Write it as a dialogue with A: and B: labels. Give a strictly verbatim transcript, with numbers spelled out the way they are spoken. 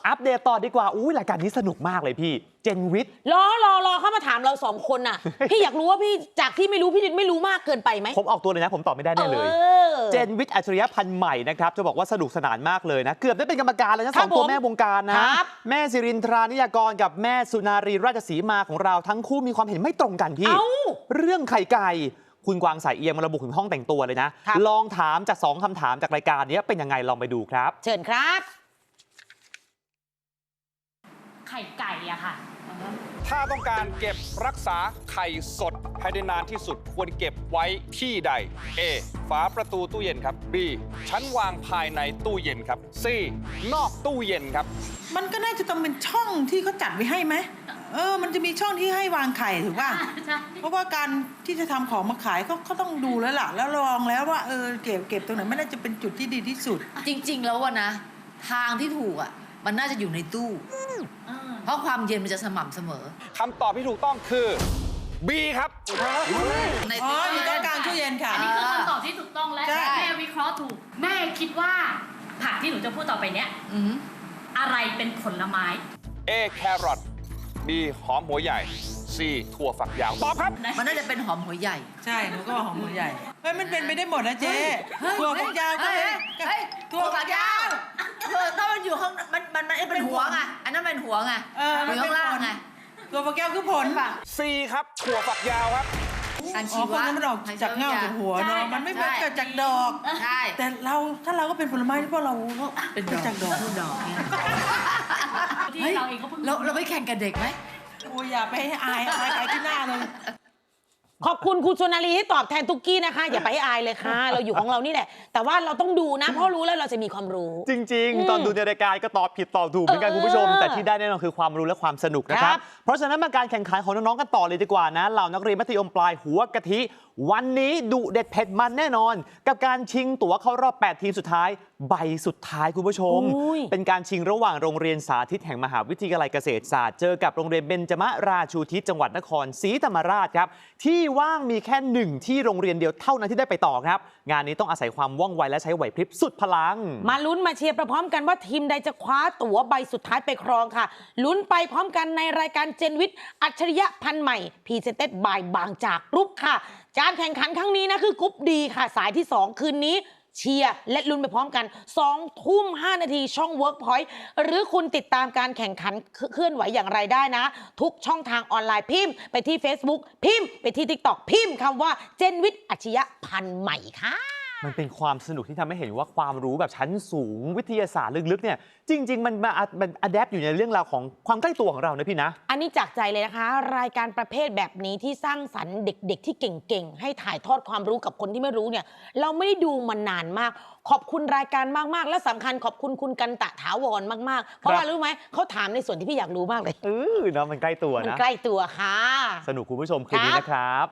A: อัปเดตต่อดีกว่าอุ้ยรายการนี้สนุกมากเลยพี่เจนวิทย์
B: รอรอรอเข้ามาถามเราสองคนน่ะ พี่อยากรู้ว่าพี่จากที่ไม่รู้พี่ไม่รู้มากเกินไปไหม
A: ผมออกตัวเลยนะผมตอบไม่ได้แน่เลยเจนวิทย์อัจฉริยะพันธุ์ใหม่นะครับจะบอกว่าสนุกสนานมากเลยนะเกือบได้เป็นกรรมการแล้วนะสองตัวแม่วงการนะแม่สิรินทรานิยากรกับแม่สุนารีราชสีมาของเราทั้งคู่มีความเห็นไม่ตรงกันพี่เรื่องไข่ไก่คุณกวางสายเอียงมาระบุถึงห้องแต่งตัวเลยนะลองถามจากสองคำถามจากรายการนี้เป็นยังไงลองไปดูครับ
B: เชิญครับ
C: ไข่ไก่อะค่ะ
D: ถ้าต้องการเก็บรักษาไข่สดให้ได้นานที่สุดควรเก็บไว้ที่ใด A ฝาประตูตู้เย็นครับ B ชั้นวางภายในตู้เย็นครับ C นอกตู้เย็นครับ
E: มันก็น่าจะต้องเป็นช่องที่เขาจัดไว้ให้ไหมเออมันจะมีช่องที่ให้วางไข่ถูกป่ะเพราะว่าการที่จะทำของมาขายเขาเขาต้องดูแล้วล่ะแล้วลองแล้วว่าเออเก็บเก็บตรงไหนไม่น่าจะเป็นจุดที่ดีที่สุด
F: จริงๆแล้ววะนะทางที่ถูกอ่ะมันน่าจะอยู่ในตู้เพราะความเย็นมันจะสม่ำเสมอ
D: คำตอบที่ถูกต้องคือ B ครับ
E: ในตู้อยู่ตรงกลางตู้เย็นค่ะ
C: อันนี้คือคำตอบที่ถูกต้องและแม่วิเคราะห์ถูกแม่คิดว่าผักที่หนูจะพูดต่อไปเนี้ยอะไรเป็นผลไม้
D: A แครอท B หอมหัวใหญ่ C ถั่วฝักยาวตอบครับ
F: มันน่าจะเป็นหอมหัวใหญ่
E: ใช่หนูก็หอมหัวใหญ่เฮ้ยมันเป็นไปได้หมดนะเจ๊ถั่วฝักยาวก็
F: ถั่วฝักยาวเออถ้ามันอยู่ข้างมันมันมันเป็นหัวไงอันนั้นเป็นหัวไงอยู่ข้างล่างไง
E: ถั่วฝักยาวคือผล
D: C ครับถั่วฝักยาวครับ
E: การชีวะมันออกจากเงาจากหัวเนาะมันไม่เกิดจากดอก
F: ใช่
E: แต่เราถ้าเราก็เป็นผลไม้ที่พวกเรา
F: เป็นจากดอกดอกเนี่ยเราเองก็เราเราไม่แข่งกับเด็กไหม
E: โอ้ยอย่าไปให้อายอายใครที่หน้าเลย
B: ขอบคุณคุณสุนารีที่ตอบแทนตุกกี้นะคะอย่าไปให้อายเลยค่ะเราอยู่ของเรานี่แหละแต่ว่าเราต้องดูนะเพราะรู้แล้วเราจะมีความรู้
A: จริงๆตอนดูในรายการก็ตอบผิดตอบถูกเหมือนกันคุณผู้ชมแต่ที่ได้แน่นอนคือความรู้และความสนุกนะครับเพราะฉะนั้นมาการแข่งขันของน้องๆกันต่อเลยดีกว่านะเหล่านักเรียนมัธยมปลายหัวกะทิวันนี้ดุเด็ดเผ็ดมันแน่นอนกับการชิงตั๋วเข้ารอบแปดทีมสุดท้ายใบสุดท้ายคุณผู้ชมเป็นการชิงระหว่างโรงเรียนสาธิตแห่งมหาวิทยาลัยเกษตรศาสตร์เจอกับโรงเรียนเบญจมราชูทิศจังหวัดนครศรีธรรมราชครับที่ว่างมีแค่หนึ่งที่โรงเรียนเดียวเท่านั้นที่ได้ไปต่อครับงานนี้ต้องอาศัยความว่องไวและใช้ไหวพริบสุดพลัง
B: มาลุ้นมาเชียร์พร้อมกันว่าทีมใดจะคว้าตั๋วใบสุดท้ายไปครองค่ะลุ้นไปพร้อมกันในรายการเจนวิทย์อัจฉริยะพันธุ์ใหม่พรีเซนเต็ดบายบางจากกรุ๊ปค่ะการแข่งขันครั้งนี้นะคือกรุ๊ปดีค่ะสายที่สองคืนนี้เชียร์และลุ้นไปพร้อมกันสองทุ่มห้านาทีช่อง Workpoint หรือคุณติดตามการแข่งขันเคลื่อนไหวอย่างไรได้นะทุกช่องทางออนไลน์พิมพ์ไปที่ Facebook พิมพ์ไปที่ TikTok พิมพ์คำว่าเจนวิทย์อัจฉริยะพันธุ์ใหม่ค่ะ
A: มันเป็นความสนุกที่ทำให้เห็นว่าความรู้แบบชั้นสูงวิทยาศาสตร์ลึกๆเนี่ยจริงๆมันมามันอะแดปอยู่ในเรื่องราวของความใกล้ตัวของเรานะพี่นะ
B: อันนี้จากใจเลยนะคะรายการประเภทแบบนี้ที่สร้างสรรค์เด็กๆที่เก่งๆให้ถ่ายทอดความรู้กับคนที่ไม่รู้เนี่ยเราไม่ได้ดูมานานมากขอบคุณรายการมากๆและสำคัญขอบคุณคุณกันตะถาวรมากๆเพราะว่ารู้ไหมเขาถามในส่วนที่พี่อยากรู้มากเลย
A: เออเนาะมันใกล้ตัวนะ
B: มันใกล้ตัวค่ะ
A: สนุกคุณผู้ชมคืนนี้นะครับ